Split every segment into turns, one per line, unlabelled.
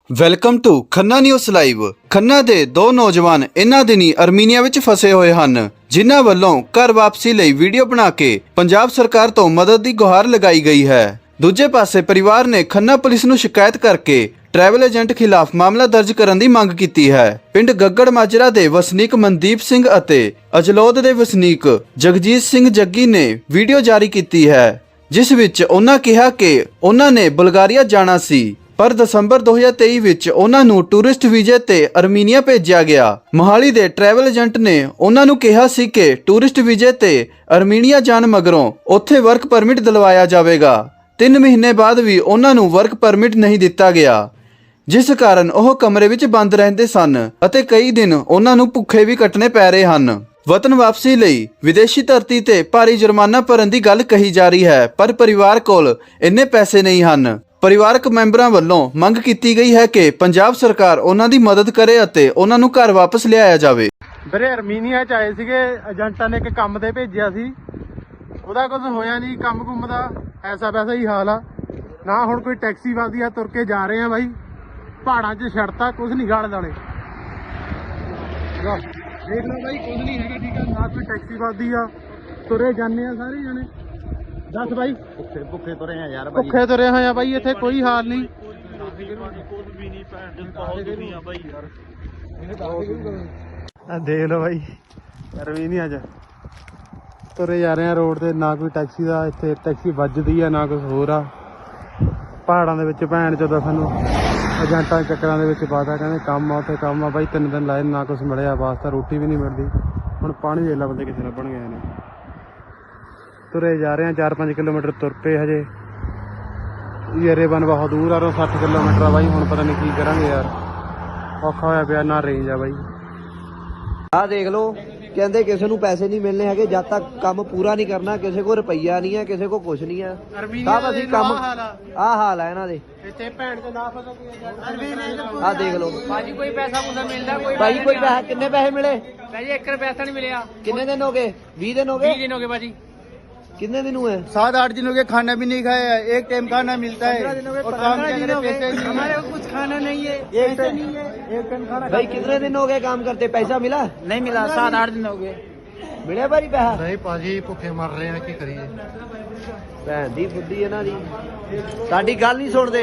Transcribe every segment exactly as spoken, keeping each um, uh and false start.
Welcome to Khanna news live. ਖੰਨਾ ਦੇ ਦੋ ਨੌਜਵਾਨ ਇਨ੍ਹਾਂ ਦਿਨੀ ਅਰਮੀਨੀਆ ਵਿੱਚ ਫਸੇ ਹੋਏ ਹਨ, ਜਿਨ੍ਹਾਂ ਵੱਲੋਂ ਘਰ ਵਾਪਸੀ ਲਈ ਵੀਡੀਓ ਬਣਾ ਕੇ ਪੰਜਾਬ ਸਰਕਾਰ ਤੋਂ ਮਦਦ ਦੀ ਗੁਹਾਰ ਲਗਾਈ ਗਈ ਹੈ। ਦੂਜੇ ਪਾਸੇ ਪਰਿਵਾਰ ਨੇ ਖੰਨਾ ਪੁਲਿਸ ਨੂੰ ਸ਼ਿਕਾਇਤ ਕਰਕੇ ਟਰੈਵਲ ਏਜੰਟ ਖਿਲਾਫ ਮਾਮਲਾ ਦਰਜ ਕਰਨ ਦੀ ਮੰਗ ਕੀਤੀ ਹੈ। ਪਿੰਡ ਗੱਗੜ ਮਾਜਰਾ ਦੇ ਵਸਨੀਕ ਮਨਦੀਪ ਸਿੰਘ ਅਤੇ ਅਜਲੋਦ ਦੇ ਵਸਨੀਕ ਜਗਜੀਤ ਸਿੰਘ ਜੱਗੀ ਨੇ ਵੀਡੀਓ ਜਾਰੀ ਕੀਤੀ ਹੈ, ਜਿਸ ਵਿੱਚ ਉਹਨਾਂ ਕਿਹਾ ਕਿ ਉਹਨਾਂ ਨੇ ਬੁਲਗਾਰੀਆ ਜਾਣਾ ਸੀ, ਪਰ ਦਸੰਬਰ ਦੋ ਹਜ਼ਾਰ ਤੇਈ ਵਿੱਚ ਉਹਨਾਂ ਨੂੰ ਟੂਰਿਸਟ ਵੀਜ਼ੇ ਤੇ ਅਰਮੀਨੀਆ ਭੇਜਿਆ ਗਿਆ। ਮੋਹਾਲੀ ਦੇ ਟਰੈਵਲ ਏਜੰਟ ਨੇ ਉਹਨਾਂ ਨੂੰ ਕਿਹਾ ਸੀ ਕਿ ਟੂਰਿਸਟ ਵੀਜ਼ੇ ਤੇ ਅਰਮੀਨੀਆ ਜਾਣ ਮਗਰੋਂ ਉੱਥੇ ਵਰਕ ਪਰਮਿਟ ਦਿਲਵਾਇਆ ਜਾਵੇਗਾ। ਤਿੰਨ ਮਹੀਨੇ ਬਾਅਦ ਵੀ ਉਹਨਾਂ ਨੂੰ ਵਰਕ ਪਰਮਿਟ ਨਹੀਂ ਦਿੱਤਾ ਗਿਆ, ਜਿਸ ਕਾਰਨ ਉਹ ਕਮਰੇ ਵਿੱਚ ਬੰਦ ਰਹਿੰਦੇ ਸਨ ਅਤੇ ਕਈ ਦਿਨ ਉਹਨਾਂ ਨੂੰ ਭੁੱਖੇ ਵੀ ਕੱਟਣੇ ਪੈ ਰਹੇ ਹਨ। ਵਤਨ ਵਾਪਸੀ ਲਈ ਵਿਦੇਸ਼ੀ ਧਰਤੀ ਤੇ ਭਾਰੀ ਜੁਰਮਾਨਾ ਭਰਨ ਦੀ ਗੱਲ ਕਹੀ ਜਾ ਰਹੀ ਹੈ, ਪਰ ਪਰਿਵਾਰ ਕੋਲ ਇੰਨੇ ਪੈਸੇ ਨਹੀਂ ਹਨ। ਪਰਿਵਾਰਕ ਮੈਂਬਰਾਂ ਵੱਲੋਂ ਮੰਗ ਕੀਤੀ ਗਈ ਹੈ ਕਿ ਪੰਜਾਬ ਸਰਕਾਰ ਉਹਨਾਂ ਦੀ ਮਦਦ ਕਰੇ ਅਤੇ ਉਹਨਾਂ ਨੂੰ ਘਰ ਵਾਪਸ ਲਿਆਇਆ ਜਾਵੇ।
ਵੀਰੇ ਅਰਮੀਨੀਆ ਚ ਆਏ ਸੀਗੇ, ਏਜੰਟਾਂ ਨੇ ਇੱਕ ਕੰਮ ਤੇ ਭੇਜਿਆ ਸੀ, ਉਹਦਾ ਕੁਝ ਹੋਇਆ ਨਹੀਂ। ਕੰਮ ਕੁੰਮ ਦਾ ਐਸਾ ਵੈਸਾ ਹੀ ਹਾਲ ਆ, ਨਾ ਹੁਣ ਕੋਈ ਟੈਕਸੀ ਵੱਜਦੀ ਆ, ਤੁਰ ਕੇ ਜਾ ਰਹੇ ਆ ਬਾਈ। ਪਹਾੜਾਂ 'ਚ ਛੜਤਾ ਕੁਝ ਨਹੀਂ ਗਾਲ ਨਾਲੇ ਦੇਖ ਲਓ ਬਾਈ, ਕੁਝ ਨਹੀਂ ਹੈਗਾ, ਠੀਕ ਆ ਨਾ ਕੋਈ ਟੈਕਸੀ ਵੱਜਦੀ ਆ, ਤੁਰੇ ਜਾਂਦੇ ਆ ਸਾਰੇ ਜਣੇ। ਦੱਸ ਬਾਈ, ਭੁੱਖੇ ਭੁੱਖੇ ਤੁਰੇ ਆ ਯਾਰ, ਭੁੱਖੇ ਤੁਰੇ ਹੋਏ ਆ ਬਾਈ, ਇੱਥੇ ਕੋਈ ਹਾਲ ਨਹੀਂ। ਆ ਦੇਖ ਲਓ ਬਾਈ, ਅਰਮੀਨੀਆ ਚ ਤੁਰੇ ਜਾ ਰਹੇ ਆ ਰੋਡ ਤੇ, ਨਾ ਕੋਈ ਟੈਕਸੀ ਦਾ ਇੱਥੇ ਟੈਕਸੀ ਵੱਜਦੀ ਆ, ਨਾ ਕੁਝ ਹੋਰ ਆ। ਪਹਾੜਾਂ ਦੇ ਵਿੱਚ ਭੈਣ ਚੋਦਾ ਸਾਨੂੰ ਏਜੰਟਾਂ ਚੱਕਰਾਂ ਦੇ ਵਿੱਚ ਪਾਤਾ, ਕਹਿੰਦੇ ਕੰਮ ਆ ਉੱਥੇ ਕੰਮ ਆ ਬਾਈ। ਤਿੰਨ ਦਿਨ ਲਾਏ, ਨਾ ਕੁਛ ਮਿਲਿਆ, ਵਾਸਤਾ ਰੋਟੀ ਵੀ ਨਹੀਂ ਮਿਲਦੀ। ਹੁਣ ਪਾਣੀ ਦੇ ਲਾ ਬੰਦੇ ਕਿਸੇ ਲੱਭਣ ਗਏ ਨੇ। ਤੁਰੇ ਜਾ ਰਹੇ ਆ, ਚਾਰ ਪੰਜ ਕਿਲੋਮੀਟਰ ਤੁਰ ਪਏ ਹਜੇ। ਯਾਰੇ ਬਨ ਬਹੁਤ ਦੂਰ ਆ, ਸੱਠ ਕਿਲੋਮੀਟਰ ਆ ਬਾਈ। ਹੁਣ ਪਤਾ ਨਹੀਂ ਕੀ ਕਰਾਂਗੇ ਯਾਰ, ਔਖਾ ਹੋਇਆ ਪਿਆ, ਨਾ ਰੇਂਜ ਆ ਬਾਈ।
ਆ ਦੇਖ ਲਓ, ਕਹਿੰਦੇ ਕਿਸੇ ਨੂੰ ਪੈਸੇ ਨਹੀਂ ਮਿਲਣੇ ਹੈਗੇ ਜਦ ਤੱਕ ਕੰਮ ਪੂਰਾ ਨਹੀਂ ਕਰਨਾ। ਕਿਸੇ ਕੋਲ ਰੁਪਈਆ ਨਹੀਂ ਹੈ, ਕਿਸੇ ਕੋਲ ਕੁਛ ਨਹੀਂ ਹੈ। ਸਭ ਅਸੀਂ ਕੰਮ ਆਹ ਹਾਲ ਹੈ ਇਹਨਾਂ ਦੇ।
ਇੱਥੇ ਭੈਣ ਤੇ ਨਾ ਫਸੋ ਕੋਈ।
ਆਹ ਦੇਖ ਲਓ
ਭਾਜੀ, ਕੋਈ ਪੈਸਾ ਪੂਸਾ ਮਿਲਦਾ? ਕੋਈ
ਭਾਈ ਕੋਈ ਪੈਸਾ, ਕਿੰਨੇ ਪੈਸੇ ਮਿਲੇ?
ਭਾਜੀ ਇੱਕ ਰੁਪਿਆ ਪੈਸਾ नहीं मिला।
कितने दिन हो गए? बीस दिन हो गए?
बीस दिन हो गए भाजी।
कितने दिन हुए?
सात आठ दिन हो गए, खाना भी नहीं खाया, एक टाइम खाना मिलता है और काम के पैसे नहीं।
हमारे को कुछ खाना नहीं है,
एक टाइम एक टाइम खाना
भाई कितने दिन हो गए काम करते? पैसा मिला?
नहीं मिला। सात आठ दिन हो गए।
मिले भाई पैसा?
नहीं पाजी, भुखे मर रहे हैं, की करिए।
ਭੈਣ ਦੀ ਫੁੱਦੀ ਇਹਨਾਂ ਦੀ, ਸਾਡੀ ਗੱਲ ਨਹੀਂ ਸੁਣਦੇ।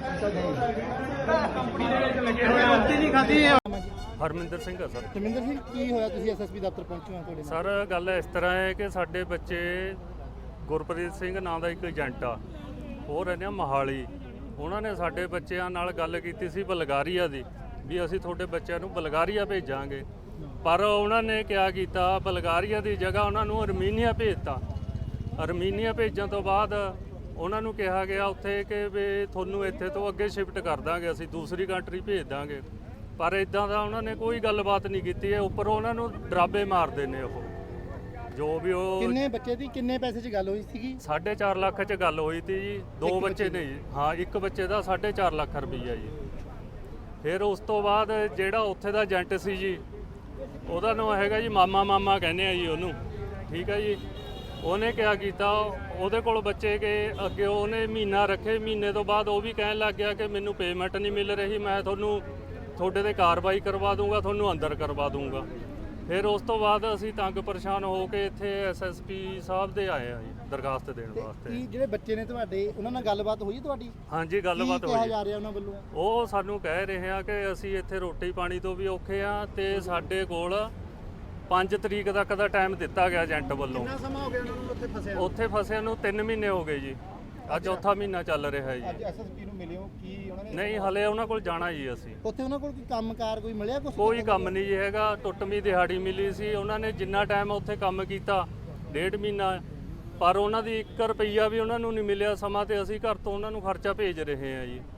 ਹਰਮਿੰਦਰ ਸਿੰਘ ਆ ਸਰ।
ਜਮਿੰਦਰ ਸਿੰਘ, ਕੀ ਹੋਇਆ? ਤੁਸੀਂ ਐਸਐਸਪੀ ਦਫ਼ਤਰ ਪਹੁੰਚੇ ਹੋ ਤੁਹਾਡੇ ਨਾਲ?
ਸਰ ਗੱਲ ਇਸ ਤਰ੍ਹਾਂ ਹੈ ਕਿ ਸਾਡੇ ਬੱਚੇ ਗੁਰਪ੍ਰੀਤ ਸਿੰਘ ਨਾਂ ਦਾ ਇੱਕ ਏਜੰਟ ਆ, ਉਹ ਰਹਿੰਦੇ ਆ ਮੋਹਾਲੀ। ਉਹਨਾਂ ਨੇ ਸਾਡੇ ਬੱਚਿਆਂ ਨਾਲ ਗੱਲ ਕੀਤੀ ਸੀ ਬੁਲਗਾਰੀਆ ਦੀ, ਵੀ ਅਸੀਂ ਤੁਹਾਡੇ ਬੱਚਿਆਂ ਨੂੰ ਬੁਲਗਾਰੀਆ ਭੇਜਾਂਗੇ, ਪਰ ਉਹਨਾਂ ਨੇ ਕਿਆ ਕੀਤਾ, ਬੁਲਗਾਰੀਆ ਦੀ ਜਗ੍ਹਾ ਉਹਨਾਂ ਨੂੰ ਅਰਮੀਨੀਆ ਭੇਜਤਾ। ਅਰਮੀਨੀਆ ਭੇਜਣ ਤੋਂ ਬਾਅਦ ਉਹਨਾਂ ਨੂੰ ਕਿਹਾ ਗਿਆ ਉੱਥੇ ਕਿ ਵੀ ਤੁਹਾਨੂੰ ਇੱਥੇ ਤੋਂ ਅੱਗੇ ਸ਼ਿਫਟ ਕਰ ਦਾਂਗੇ, ਅਸੀਂ ਦੂਸਰੀ ਕੰਟਰੀ ਭੇਜ ਦਾਂਗੇ, ਪਰ ਇਦਾਂ ਦਾ ਉਹਨਾਂ ਨੇ ਕੋਈ ਗੱਲਬਾਤ ਨਹੀਂ ਕੀਤੀ ਹੈ। ਉੱਪਰ ਉਹਨਾਂ ਨੂੰ ਡਰਾਬੇ ਮਾਰਦੇ ਨੇ ਉਹ, ਜੋ ਵੀ ਉਹ।
ਕਿੰਨੇ ਬੱਚੇ ਦੀ ਕਿੰਨੇ ਪੈਸੇ 'ਚ ਗੱਲ ਹੋਈ ਸੀਗੀ?
ਸਾਢੇ ਚਾਰ ਲੱਖ 'ਚ ਗੱਲ ਹੋਈ ਤੀ ਜੀ। ਦੋ ਬੱਚੇ ਨੇ ਜੀ, ਹਾਂ ਇੱਕ ਬੱਚੇ ਦਾ ਸਾਢੇ ਚਾਰ ਲੱਖ ਰੁਪਈਆ ਜੀ। ਫਿਰ ਉਸ ਤੋਂ ਬਾਅਦ ਜਿਹੜਾ ਉੱਥੇ ਦਾ ਏਜੰਟ ਸੀ ਜੀ, ਉਹਦਾ ਨਾਮ ਹੈਗਾ ਜੀ ਮਾਮਾ ਮਾਮਾ ਕਹਿੰਦੇ ਆ ਜੀ ਉਹਨੂੰ, ਠੀਕ ਹੈ ਜੀ। ਉਹਨੇ ਕਿਆ ਕੀਤਾ, ਉਹਦੇ ਕੋਲ ਬੱਚੇ ਕੇ ਅੱਗੇ ਉਹਨੇ ਮਹੀਨਾ ਰੱਖੇ, ਮਹੀਨੇ ਤੋਂ ਬਾਅਦ ਉਹ ਵੀ ਕਹਿਣ ਲੱਗ ਗਿਆ ਕਿ ਮੈਨੂੰ ਪੇਮੈਂਟ ਨਹੀਂ ਮਿਲ ਰਹੀ, ਮੈਂ ਤੁਹਾਨੂੰ ਤੁਹਾਡੇ ਤੇ ਕਾਰਵਾਈ ਕਰਵਾ ਦੂੰਗਾ, ਤੁਹਾਨੂੰ ਅੰਦਰ ਕਰਵਾ ਦੂੰਗਾ। ਫਿਰ ਉਸ ਤੋਂ ਬਾਅਦ ਅਸੀਂ ਤੰਗ ਪਰੇਸ਼ਾਨ ਹੋ ਕੇ ਇੱਥੇ ਐਸਐਸਪੀ ਸਾਹਿਬ ਦੇ ਆਏ ਆ ਜੀ ਦਰਖਾਸਤ ਦੇਣ ਵਾਸਤੇ।
ਕੀ ਜਿਹੜੇ ਬੱਚੇ ਨੇ ਤੁਹਾਡੇ, ਉਹਨਾਂ ਨਾਲ ਗੱਲਬਾਤ ਹੋਈ ਤੁਹਾਡੀ?
ਹਾਂਜੀ ਗੱਲਬਾਤ
ਕੀ ਕਿਹਾ
ਹੋਈ।
ਜਾ ਰਿਹਾ ਉਹਨਾਂ ਵੱਲੋਂ?
ਉਹ ਸਾਨੂੰ ਕਹਿ ਰਹੇ ਆ ਕਿ ਅਸੀਂ ਇੱਥੇ ਰੋਟੀ ਪਾਣੀ ਤੋਂ ਵੀ ਔਖੇ ਆ, ਤੇ ਸਾਡੇ ਕੋਲ ਪੰਜ ਤਰੀਕ ਤੱਕ ਦਾ ਟਾਈਮ ਦਿੱਤਾ ਗਿਆ ਏਜੰਟ ਵੱਲੋਂ।
ਕਿੰਨਾ ਸਮਾਂ ਹੋ ਗਿਆ ਉਹਨਾਂ ਨੂੰ ਉੱਥੇ ਫਸਿਆ?
ਉੱਥੇ ਫਸਿਆਂ ਨੂੰ ਤਿੰਨ ਮਹੀਨੇ ਹੋ ਗਏ ਜੀ, ਅੱਜ ਚੌਥਾ ਮਹੀਨਾ ਚੱਲ ਰਿਹਾ ਜੀ।
ਅੱਜ ਐਸਐਸਪੀ ਨੂੰ ਮਿਲੇ ਹੋ, ਕੀ ਉਹਨਾਂ ਨੇ?
ਨਹੀਂ ਹਲੇ ਉਹਨਾਂ ਕੋਲ ਜਾਣਾ ਜੀ ਅਸੀਂ।
ਉੱਥੇ ਉਹਨਾਂ ਕੋਲ ਕੋਈ ਕੰਮਕਾਰ ਕੋਈ ਮਿਲਿਆ ਕੁਛ?
ਕੋਈ ਕੰਮ ਨਹੀਂ ਜੀ ਹੈਗਾ, ਟੁੱਟਵੀਂ ਦਿਹਾੜੀ ਮਿਲੀ ਸੀ। ਉਹਨਾਂ ਨੇ ਜਿੰਨਾ ਟਾਈਮ ਉੱਥੇ ਕੰਮ ਕੀਤਾ ਡੇਢ ਮਹੀਨਾ, ਪਰ ਉਹਨਾਂ ਦੀ ਇੱਕ ਰੁਪਈਆ ਵੀ ਉਹਨਾਂ ਨੂੰ ਨਹੀਂ ਮਿਲਿਆ ਸਮਾਂ, ਤੇ ਅਸੀਂ ਘਰ ਤੋਂ ਉਹਨਾਂ ਨੂੰ ਖਰਚਾ ਭੇਜ ਰਹੇ ਹਾਂ ਜੀ।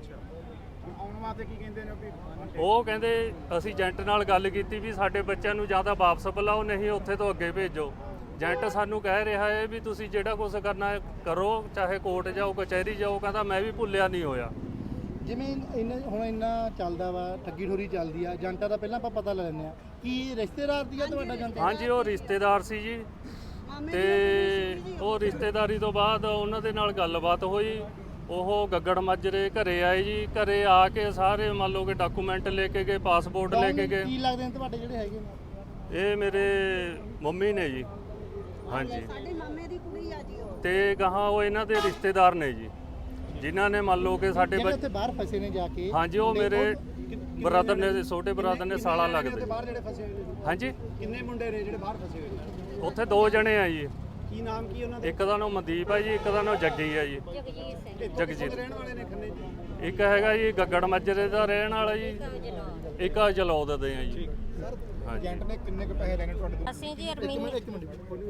ਆਉਣ ਵਾਸਤੇ ਕੀ ਕਹਿੰਦੇ ਨੇ?
ਉਹ ਕਹਿੰਦੇ ਅਸੀਂ ਏਜੰਟ ਨਾਲ ਗੱਲ ਕੀਤੀ ਵੀ ਸਾਡੇ ਬੱਚਿਆਂ ਨੂੰ ਜਾਂ ਤਾਂ ਵਾਪਸ ਬੁਲਾਓ, ਨਹੀਂ ਉੱਥੇ ਤੋਂ ਅੱਗੇ ਭੇਜੋ। ਏਜੰਟ ਸਾਨੂੰ ਕਹਿ ਰਿਹਾ ਹੈ ਵੀ ਤੁਸੀਂ ਜਿਹੜਾ ਕੁਝ ਕਰਨਾ ਹੈ ਕਰੋ, ਚਾਹੇ ਕੋਰਟ ਜਾਓ ਕਚਹਿਰੀ ਜਾਓ। ਕਹਿੰਦਾ ਮੈਂ ਵੀ ਭੁੱਲਿਆ ਨਹੀਂ ਹੋਇਆ।
ਜਿਵੇਂ ਇੰਨਾ ਹੁਣ ਇੰਨਾ ਚੱਲਦਾ ਵਾ, ਠੱਗੀ ਠੋਰੀ ਚੱਲਦੀ ਆ, ਏਜੰਟਾਂ ਦਾ ਪਹਿਲਾਂ ਆਪਾਂ ਪਤਾ ਲੈ ਲੈਂਦੇ ਆ। ਕੀ ਰਿਸ਼ਤੇਦਾਰ ਦੀ ਆ ਤੁਹਾਡਾ ਏਜੰਟ?
ਹਾਂਜੀ ਉਹ ਰਿਸ਼ਤੇਦਾਰ ਸੀ ਜੀ, ਤੇ ਉਹ ਰਿਸ਼ਤੇਦਾਰੀ ਤੋਂ ਬਾਅਦ ਉਹਨਾਂ ਦੇ ਨਾਲ ਗੱਲਬਾਤ ਹੋਈ। ਉਹ ਗੱਗੜ ਮਾਜਰੇ ਘਰੇ ਆਏ ਜੀ। ਘਰੇ ਆ ਕੇ ਸਾਰੇ ਮੰਨ ਲਓ ਕਿ ਡਾਕੂਮੈਂਟ ਲੈ ਕੇ ਗਏ, ਪਾਸਪੋਰਟ ਲੈ ਕੇ ਗਏ।
ਕੀ ਲੱਗਦੇ ਨੇ ਤੁਹਾਡੇ ਜਿਹੜੇ ਹੈਗੇ ਨੇ?
ਇਹ ਮੇਰੇ ਮੰਮੀ ਨੇ ਜੀ। ਹਾਂਜੀ,
ਸਾਡੇ ਮਾਮੇ ਦੀ ਕੁੜੀ ਆ ਜੀ ਉਹ।
ਤੇ ਗਾਹਾਂ ਉਹ ਇਹਨਾਂ ਦੇ ਰਿਸ਼ਤੇਦਾਰ ਨੇ ਜੀ, ਜਿਨ੍ਹਾਂ ਨੇ ਮੰਨ ਲਓ ਕਿ ਸਾਡੇ
ਜਿਹੜੇ
ਬੱਚ-
ਉੱਥੇ ਬਾਹਰ ਫਸੇ ਨੇ ਜਾ ਕੇ।
ਹਾਂਜੀ, ਉਹ ਮੇਰੇ ਬ੍ਰਦਰ ਨੇ, ਛੋਟੇ ਬ੍ਰਦਰ ਨੇ, ਸਾਲਾ ਲੱਗਦੇ।
ਬਾਹਰ ਜਿਹੜੇ ਫਸੇ ਹੋਏ ਨੇ
ਹਾਂਜੀ,
ਕਿੰਨੇ ਮੁੰਡੇ ਨੇ ਜਿਹੜੇ ਬਾਹਰ ਫਸੇ ਹੋਏ ਨੇ?
ਉੱਥੇ ਦੋ ਜਣੇ ਆ ਜੀ।
ਕੀ ਨਾਮ ਕੀ ਉਹਨਾਂ ਦਾ?
ਇੱਕ ਦਾ ਨਾਮ ਮਨਦੀਪ ਹੈ ਜੀ, ਇੱਕ ਦਾ ਨਾਮ ਜੱਗੀ ਹੈ ਜੀ। ਜਗਜੀਤ।
ਰਹਿਣ ਵਾਲੇ ਨੇ ਖੰਨੇ ਜੀ।
ਇੱਕ ਹੈਗਾ ਜੀ ਗੱਗੜ ਮਾਜਰੇ ਦਾ ਰਹਿਣ ਵਾਲਾ ਜੀ, ਇੱਕ ਆ ਜਲੌਦ ਦੇ ਆ ਜੀ। ਹਾਂਜੀ,
ਏਜੰਟ ਨੇ ਕਿੰਨੇ ਕੁ ਪੈਸੇ ਲੈਣੇ ਤੁਹਾਡੇ ਤੋਂ?
ਅਸੀਂ ਜੀ ਅਰਮੀਨੀ
ਇੱਕ ਮਿੰਟ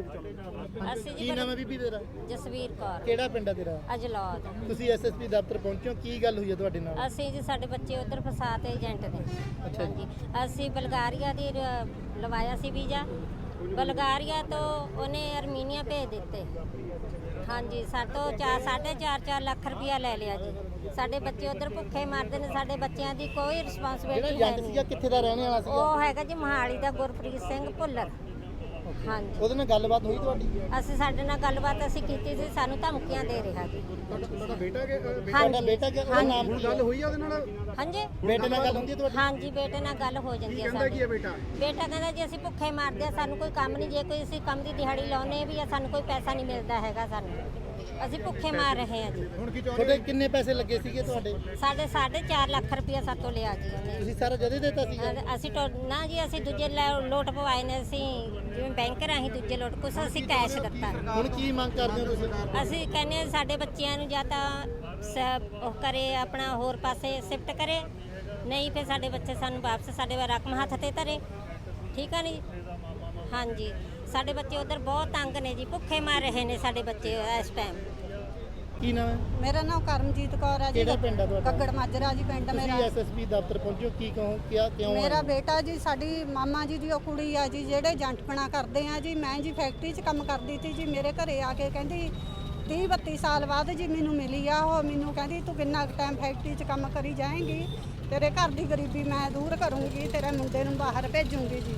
ਅਸੀਂ
ਅਸੀਂ
ਕੀ ਨਾਮ ਹੈ ਬੀਬੀ ਤੇਰਾ?
ਜਸਵੀਰ ਕੌਰ
ਕਿਹੜਾ ਪਿੰਡ ਹੈ ਤੇਰਾ?
ਅਜਲੌਦ।
ਤੁਸੀਂ ਐਸਐਸਪੀ ਦਫ਼ਤਰ ਪਹੁੰਚੇ ਹੋ, ਕੀ ਗੱਲ ਹੋਈ ਹੈ ਤੁਹਾਡੇ ਨਾਲ?
ਅਸੀਂ ਜੀ ਸਾਡੇ ਬੱਚੇ ਉਧਰ ਫਸਾਤੇ ਏਜੰਟ ਨੇ।
ਅੱਛਾ ਜੀ।
ਅਸੀਂ ਬਲਗਾਰੀਆ ਦੀ ਰ- ਲਵਾਇਆ ਸੀ ਵੀਜ਼ਾ, ਬਲਗਾਰੀਆ ਤੋਂ ਉਹਨੇ ਅਰਮੀਨੀਆ ਭੇਜ ਦਿੱਤੇ। ਹਾਂਜੀ, ਸਾਤੋਂ ਚਾਰ ਸਾਢੇ ਚਾਰ ਚਾਰ ਲੱਖ ਰੁਪਇਆ ਲੈ ਲਿਆ ਜੀ। ਸਾਡੇ ਬੱਚੇ ਉਧਰ ਭੁੱਖੇ ਮਰਦੇ ਨੇ, ਸਾਡੇ ਬੱਚਿਆਂ ਦੀ ਕੋਈ
ਜਿਹੜਾ
ਰਿਸਪਾਂਸਿਬਿਲਟੀ ਹੈ
ਏਜੰਟ ਸੀਗਾ
ਨਹੀਂ।
ਕਿੱਥੇ ਦਾ ਰਹਿਣ ਵਾਲਾ ਸੀਗਾ?
ਉਹ ਹੈਗਾ ਜੀ ਮੋਹਾਲੀ ਦਾ ਗੁਰਪ੍ਰੀਤ ਸਿੰਘ ਭੁੱਲਰ। ਹਾਂਜੀ,
ਉਹਦੇ ਨਾਲ ਗੱਲਬਾਤ ਹੋਈ ਤੁਹਾਡੀ?
ਅਸੀਂ ਸਾਡੇ ਨਾਲ ਗੱਲਬਾਤ ਅਸੀਂ ਕੀਤੀ ਸੀ, ਸਾਨੂੰ ਧਮਕੀਆਂ ਦੇ ਰਿਹਾ ਜੀ।
ਤੁਹਾਡਾ ਬੇਟਾ ਕਿ
ਹਾਂਜੀ।
ਤੁਹਾਡਾ ਬੇਟਾ ਕਿ ਉਹਦਾ ਨਾਮ ਕੀ ਗੱਲ ਹੋਈ ਹੈ ਉਹਦੇ ਨਾਲ?
ਹਾਂਜੀ,
ਬੇਟੇ ਨਾਲ ਗੱਲ ਹੁੰਦੀ ਹੈ ਤੁਹਾਡੀ?
ਹਾਂਜੀ, ਬੇਟੇ ਨਾਲ ਗੱਲ ਹੋ ਜਾਂਦੀ ਹੈ ਸਾਡੀ।
ਕੀ ਹੈ ਬੇਟਾ?
ਬੇਟਾ ਕਹਿੰਦਾ ਜੀ ਅਸੀਂ ਭੁੱਖੇ ਮਰਦੇ ਆ, ਸਾਨੂੰ ਕੋਈ ਕੰਮ ਨਹੀਂ, ਜੇ ਕੋਈ ਅਸੀਂ ਕੰਮ ਦੀ ਦਿਹਾੜੀ ਲਾਉਨੇ ਵੀ ਆ ਸਾਨੂੰ ਕੋਈ ਪੈਸਾ ਨਹੀਂ ਮਿਲਦਾ ਹੈਗਾ, ਸਾਨੂੰ ਅਸੀਂ ਭੁੱਖੇ ਮਾਰ ਰਹੇ ਆ ਜੀ।
ਹੁਣ ਕੀ ਚਾਹੁੰਦੇ? ਤੁਹਾਡੇ ਕਿੰਨੇ ਪੈਸੇ ਲੱਗੇ ਸੀਗੇ ਤੁਹਾਡੇ?
ਸਾਡੇ ਸਾਢੇ ਚਾਰ ਲੱਖ ਰੁਪਇਆ ਸਾਤੋਂ ਲਿਆ ਜੀ ਉਹਨੇ।
ਤੁਸੀਂ ਸਾਰਾ ਜਦੇ ਦੇਤਾ ਸੀਗਾ?
ਅ- ਅਸੀਂ ਟੋ- ਨਾ ਜੀ, ਅਸੀਂ ਦੂਜੇ ਲੈ- ਲੋਟ ਪਵਾਏ ਨੇ, ਅਸੀਂ ਜਿਵੇਂ ਬੈਂਕ ਰਾਹੀਂ ਦੂਜੇ ਲੋਟ, ਕੁਛ ਅਸੀਂ ਕੈਸ਼ ਦਿੱਤਾ।
ਹੁਣ ਕੀ ਮੰਗ ਕਰਦੇ ਹੋ ਤੁਸੀਂ?
ਅਸੀਂ ਕਹਿੰਦੇ ਹਾਂ ਸਾਡੇ ਬੱਚਿਆਂ ਨੂੰ ਜਾਂ ਤਾਂ ਸ- ਉਹ ਕਰੇ, ਆਪਣਾ ਹੋਰ ਪਾਸੇ ਸ਼ਿਫਟ ਕਰੇ, ਨਹੀਂ ਫਿਰ ਸਾਡੇ ਬੱਚੇ ਸਾਨੂੰ ਵਾਪਸ ਸਾਡੇ ਰਕਮ ਹੱਥ ਤੇ ਧਰੇ। ਠੀਕ ਆ ਨਹੀਂ? ਹਾਂਜੀ, ਸਾਡੇ ਬੱਚੇ ਉਧਰ ਬਹੁਤ ਤੰਗ ਨੇ ਜੀ, ਭੁੱਖੇ ਮਰ ਰਹੇ ਨੇ ਸਾਡੇ ਬੱਚੇ ਇਸ ਟਾਈਮ।
ਕੀ ਨਾਮ ਹੈ?
ਮੇਰਾ ਨਾਮ ਕਰਮਜੀਤ ਕੌਰ ਆ ਜੀ।
ਕਿਹੜਾ ਪਿੰਡ ਆ ਤੁਹਾਡਾ?
ਗੱਗੜ ਮਾਜਰਾ ਜੀ ਪਿੰਡ
ਤੁਸੀਂ
ਮੇਰਾ।
ਐਸਐਸਪੀ ਦਫ਼ਤਰ ਪਹੁੰਚੋ, ਕੀ ਕਹੋ, ਕਿਆ ਕਿਉਂ
ਮੇਰਾ
ਆਏ?
ਬੇਟਾ ਜੀ, ਸਾਡੀ ਮਾਮਾ ਜੀ ਦੀ ਉਹ ਕੁੜੀ ਆ ਜੀ, ਜਿਹੜੇ ਏਜੰਟਪਣਾ ਕਰਦੇ ਆ ਜੀ। ਮੈਂ ਜੀ ਫੈਕਟਰੀ 'ਚ ਕੰਮ ਕਰਦੀ ਸੀ ਜੀ, ਮੇਰੇ ਘਰੇ ਆ ਕੇ ਕਹਿੰਦੀ ਤੀਹ ਬੱਤੀ ਸਾਲ ਬਾਅਦ ਜੀ ਮੈਨੂੰ ਮਿਲੀ ਆ ਉਹ। ਮੈਨੂੰ ਕਹਿੰਦੀ ਤੂੰ ਕਿੰਨਾ ਟਾਈਮ ਫੈਕਟਰੀ 'ਚ ਕੰਮ ਕਰੀ ਜਾਏਂਗੀ, ਤੇਰੇ ਘਰ ਦੀ ਗਰੀਬੀ ਮੈਂ ਦੂਰ ਕਰੂੰਗੀ, ਤੇਰੇ ਮੁੰਡੇ ਨੂੰ ਬਾਹਰ ਭੇਜੂੰਗੀ ਜੀ।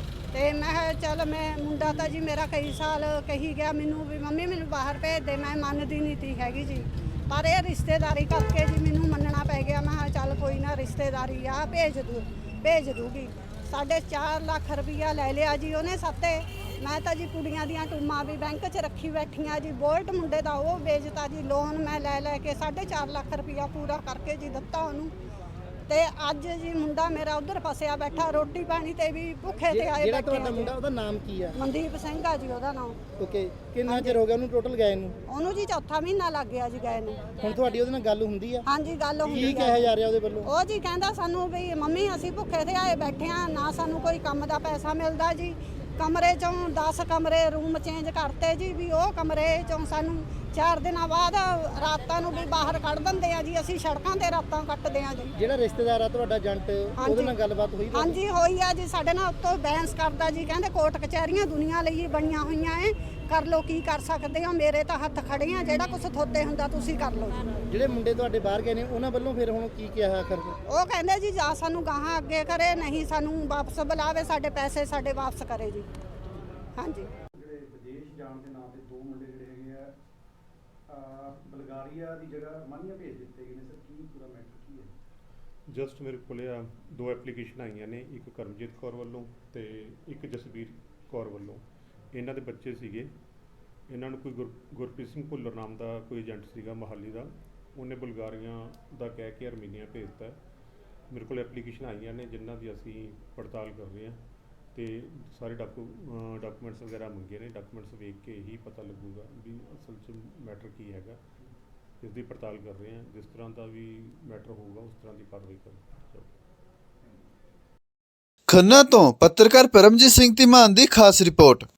ਤੇ ਮੈਂ ਕਿਹਾ ਚੱਲ, ਮੈਂ ਮੁੰਡਾ ਤਾਂ ਜੀ ਮੇਰਾ ਕਈ ਸਾਲ ਕਹੀ ਗਿਆ ਮੈਨੂੰ ਵੀ ਮੰਮੀ ਮੈਨੂੰ ਬਾਹਰ ਭੇਜ ਦੇ, ਮੈਂ ਮੰਨਦੀ ਨਹੀਂ ਤੀ ਹੈਗੀ ਜੀ। ਪਰ ਇਹ ਰਿਸ਼ਤੇਦਾਰੀ ਕਰਕੇ ਜੀ ਮੈਨੂੰ ਮੰਨਣਾ ਪੈ ਗਿਆ। ਮੈਂ ਕਿਹਾ ਚੱਲ ਕੋਈ ਨਾ, ਰਿਸ਼ਤੇਦਾਰੀ ਆ, ਭੇਜ ਦੂ ਭੇਜ ਦੂਗੀ। ਸਾਢੇ ਚਾਰ ਲੱਖ ਰੁਪਈਆ ਲੈ ਲਿਆ ਜੀ ਉਹਨੇ ਸਾਤੇ। ਮੈਂ ਤਾਂ ਜੀ ਕੁੜੀਆਂ ਦੀਆਂ ਟੂਮਾਂ ਵੀ ਬੈਂਕ 'ਚ ਰੱਖੀ ਬੈਠੀਆਂ ਜੀ। ਬੋਲਟ ਮੁੰਡੇ ਦਾ ਉਹ ਵੇਚਤਾ ਜੀ, ਲੋਨ ਮੈਂ ਲੈ ਲੈ ਕੇ ਸਾਢੇ ਚਾਰ ਲੱਖ ਰੁਪਈਆ ਪੂਰਾ ਕਰਕੇ ਜੀ ਦਿੱਤਾ ਉਹਨੂੰ। ਤੇ ਅੱਜ ਜੀ ਮੁੰਡਾ ਮੇਰਾ ਉਧਰ ਫਸਿਆ ਬੈਠਾ, ਰੋਟੀ ਪਾਣੀ ਤੇ ਵੀ ਭੁੱਖੇ ਤੇ ਆਏ
ਜਿਹੜਾ
ਬੈਠੇ
ਤੁਹਾਡਾ
ਆ
ਮੁੰਡਾ,
ਜੀ।
ਉਹਦਾ ਨਾਮ ਕੀ ਆ?
ਮਨਦੀਪ ਸਿੰਘ ਆ ਜੀ ਉਹਦਾ ਨਾਮ।
ਓਕੇ, ਕਿੰਨਾ ਚਿਰ ਹੋ ਗਿਆ ਉਹਨੂੰ ਟੋਟਲ ਗਏ ਨੂੰ?
ਉਹਨੂੰ ਜੀ ਚੌਥਾ ਮਹੀਨਾ ਲੱਗ ਗਿਆ ਜੀ ਗਏ ਨੂੰ।
ਹੁਣ ਤੁਹਾਡੀ ਉਹਦੇ ਨਾਲ ਗੱਲ ਹੁੰਦੀ ਆ?
ਹਾਂਜੀ, ਗੱਲ
ਕੀ
ਹੁੰਦੀ
ਕਿਹਾ
ਆ।
ਜਾ ਰਿਹਾ ਉਹਦੇ ਵੱਲੋਂ?
ਉਹ ਜੀ ਕਹਿੰਦਾ ਸਾਨੂੰ ਵੀ ਮੰਮੀ ਅਸੀਂ ਭੁੱਖੇ ਤੇ ਆਏ ਬੈਠੇ ਆ, ਨਾ ਸਾਨੂੰ ਕੋਈ ਕੰਮ ਦਾ ਪੈਸਾ ਮਿਲਦਾ ਜੀ। ਕਮਰੇ ਚੋਂ ਦਸ ਕਮਰੇ ਰੂਮ ਚੇਂਜ ਕਰਤੇ ਜੀ, ਵੀ ਉਹ ਕਮਰੇ ਚੋਂ ਸਾਨੂੰ ਚਾਰ ਦਿਨਾਂ ਬਾਅਦ ਰਾਤਾਂ ਨੂੰ ਵੀ ਬਾਹਰ ਕੱਢ ਦਿੰਦੇ ਆ ਜੀ। ਅਸੀਂ ਸੜਕਾਂ ਤੇ ਰਾਤਾਂ ਕੱਟਦੇ ਆ ਜੀ।
ਜਿਹੜਾ ਰਿਸ਼ਤੇਦਾਰ ਆ ਤੁਹਾਡਾ ਏਜੰਟ, ਉਹਦੇ ਨਾਲ ਗੱਲਬਾਤ ਹੋਈ ਤੁਹਾਡੀ?
ਹਾਂਜੀ ਹੋਈ ਆ ਜੀ, ਸਾਡੇ ਨਾਲ ਉੱਤੋਂ ਬੈਂਸ ਕਰਦਾ ਜੀ। ਕਹਿੰਦੇ ਕੋਰਟ ਕਚਹਿਰੀਆਂ ਦੁਨੀਆ ਲਈ ਬਣੀਆਂ ਹੋਈਆਂ ਏ, ਕਰ ਲੋ ਕੀ ਕਰ ਸਕਦੇ ਹੋ, ਮੇਰੇ ਤਾਂ ਹੱਥ ਖੜੇ ਆ, ਜਿਹੜਾ ਕੁਝ ਥੋਤੇ ਹੁੰਦਾ ਤੁਸੀਂ ਕਰ ਲਓ ਜੀ।
ਜਿਹੜੇ ਮੁੰਡੇ ਤੁਹਾਡੇ ਬਾਹਰ ਗਏ ਨੇ ਉਹਨਾਂ ਵੱਲੋਂ ਫਿਰ ਹੁਣ ਕੀ ਕਿਹਾ ਆਖਰ?
ਉਹ ਕਹਿੰਦੇ ਜੀ ਜਾਂ ਸਾਨੂੰ ਗਾਹਾਂ ਅੱਗੇ ਕਰੇ, ਨਹੀਂ ਸਾਨੂੰ ਵਾਪਸ ਬੁਲਾਵੇ, ਸਾਡੇ ਪੈਸੇ ਸਾਡੇ ਵਾਪਸ ਕਰੇ ਜੀ। ਹਾਂਜੀ,
ਜਿਹੜੇ ਵਿਦੇਸ਼ ਜਾਣ ਦੇ ਨਾਂ ਤੇ ਦੋ ਮੁੰਡੇ ਜਿਹੜੇ ਹੈਗੇ ਆ ਅਹ ਬਲਗਾਰੀਆ ਦੀ ਜਗ੍ਹਾ ਅਰਮਾਨੀਆ ਭੇਜ ਦਿੱਤੇ ਗਏ ਨੇ ਸਰ, ਕੀ ਪੂਰਾ ਮੈਟਰ ਕੀ ਹੈ?
ਜਸਟ ਮੇਰੇ ਕੋਲੇ ਆ ਦੋ ਐਪਲੀਕੇਸ਼ਨ ਆਈਆਂ ਨੇ, ਇੱਕ ਕਰਮਜੀਤ ਕੌਰ ਵੱਲੋਂ ਤੇ ਇੱਕ ਜਸਵੀਰ ਕੌਰ ਵੱਲੋਂ। ਇਹਨਾਂ ਦੇ ਬੱਚੇ ਸੀਗੇ, ਇਹਨਾਂ ਨੂੰ ਕੋਈ ਗੁਰ ਗੁਰਪ੍ਰੀਤ ਸਿੰਘ ਭੁੱਲਰ ਨਾਮ ਦਾ ਕੋਈ ਏਜੰਟ ਸੀਗਾ ਮੋਹਾਲੀ ਦਾ, ਉਹਨੇ ਬੁਲਗਾਰੀਆਂ ਦਾ ਕਹਿ ਕੇ ਅਰਮੀਨੀਆ ਭੇਜਤਾ। ਮੇਰੇ ਕੋਲ ਐਪਲੀਕੇਸ਼ਨ ਆਈਆਂ ਨੇ ਜਿਨ੍ਹਾਂ ਦੀ ਅਸੀਂ ਪੜਤਾਲ ਕਰ ਰਹੇ ਹਾਂ ਤੇ ਸਾਰੇ ਡਾਕੂ ਡਾਕੂਮੈਂਟਸ ਵਗੈਰਾ ਮੰਗੇ ਨੇ। ਡਾਕੂਮੈਂਟਸ ਵੇਖ ਕੇ ਹੀ ਪਤਾ ਲੱਗੂਗਾ ਵੀ ਅਸਲ 'ਚ ਮੈਟਰ ਕੀ ਹੈਗਾ। ਇਸ ਦੀ ਪੜਤਾਲ ਕਰ ਰਹੇ ਹਾਂ, ਜਿਸ ਤਰ੍ਹਾਂ ਦਾ ਵੀ ਮੈਟਰ ਹੋਊਗਾ ਉਸ ਤਰ੍ਹਾਂ ਦੀ ਕਾਰਵਾਈ ਕਰਾਂਗੇ।
ਖੰਨਾ ਤੋਂ ਪੱਤਰਕਾਰ ਪਰਮਜੀਤ ਸਿੰਘ ਧੀਮਾਨ ਦੀ ਖਾਸ ਰਿਪੋਰਟ।